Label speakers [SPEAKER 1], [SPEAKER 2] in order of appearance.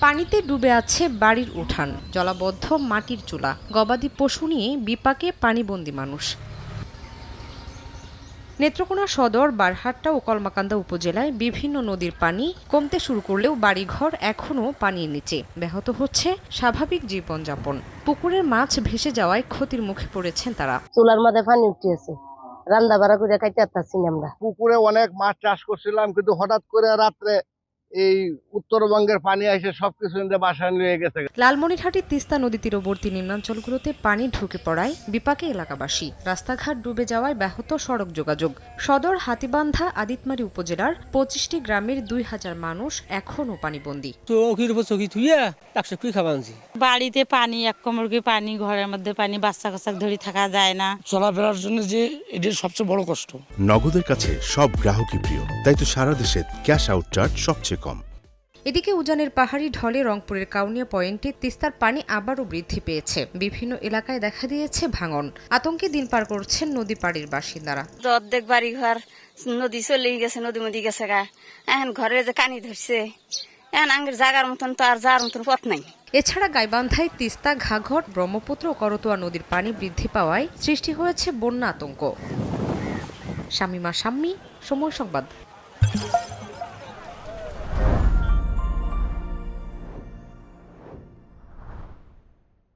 [SPEAKER 1] পানিতে ডুবে আছে বাড়ির উঠান, জলাবদ্ধ মাটির চুলা, গবাদি পশু নিয়ে বিপাকে পানিবন্দী মানুষ। নেত্রকোনা সদর, বারহাট্টা ও কলমাকান্দা উপজেলায় বিভিন্ন নদীর পানি কমতে শুরু করলেও বাড়িঘর এখনও পানির নিচে, ব্যাহত হচ্ছে স্বাভাবিক জীবনযাপন। পুকুরের মাছ ভেসে যাওয়ায় ক্ষতির মুখে পড়েছেন তারা।
[SPEAKER 2] চুলার মধ্যে পানি উঠিয়েছে, রান্না বাড়া করে খাইতে পারতাছি না আমরা।
[SPEAKER 3] পুকুরে অনেক মাছ চাষ করছিলাম, কিন্তু হঠাৎ করে রাত্রে এই উত্তরবঙ্গের পানি এসে সবকিছু বাসায় নিয়ে গেছে।
[SPEAKER 1] লালমনিরহাটের তিস্তা নদী তীরবর্তী নিম্নাঞ্চলগুলোতে পানি ঢুকে পড়ায় বিপাকে এলাকাবাসী। রাস্তাঘাট ডুবে যাওয়ায় ব্যাহত সড়ক যোগাযোগ। সদর, হাতীবান্ধা, আদিতমারী উপজেলার 25টি গ্রামের 2000 মানুষ এখনও পানিবন্দী।
[SPEAKER 4] বাড়িতে পানি, এক কোমর কি পানি, ঘরের মধ্যে পানি, বাচ্চা কাচ্চা ধরে থাকা যায় না।
[SPEAKER 5] চলাফেরার জন্য যে এটা সবচেয়ে বড় কষ্ট।
[SPEAKER 6] নগদের কাছে সব গ্রাহকই প্রিয়, তাই তো সারা দেশে ক্যাশ আউট চার্জ সবচেয়ে কম।
[SPEAKER 1] এদিকে উজানের পাহাড়ি ঢলে রংপুরের কাউনিয়া পয়েন্টে তিস্তার পানি আবারও বৃদ্ধি পেয়েছে। বিভিন্ন এলাকায় দেখা দিয়েছে ভাঙন। আতঙ্কে দিন পার করছেন নদী পাড়ের বাসিন্দারা।
[SPEAKER 7] অর্ধেক বাড়ি ঘর নদী চলে গেছে, নদী মধ্যে গেছে গা। এখন ঘরে যে কানি ধরছে, এখন আঙ্গের জাগার মতন তো আর যাওয়ার মতন পথ নাই।
[SPEAKER 1] এছাড়া গাইবান্ধায় তিস্তা, ঘাঘর, ব্রহ্মপুত্র ও করতোয়া নদীর পানি বৃদ্ধি পাওয়ায় সৃষ্টি হয়েছে বন্যা আতঙ্ক। শামীমা শাম্মী, সময় সংবাদ।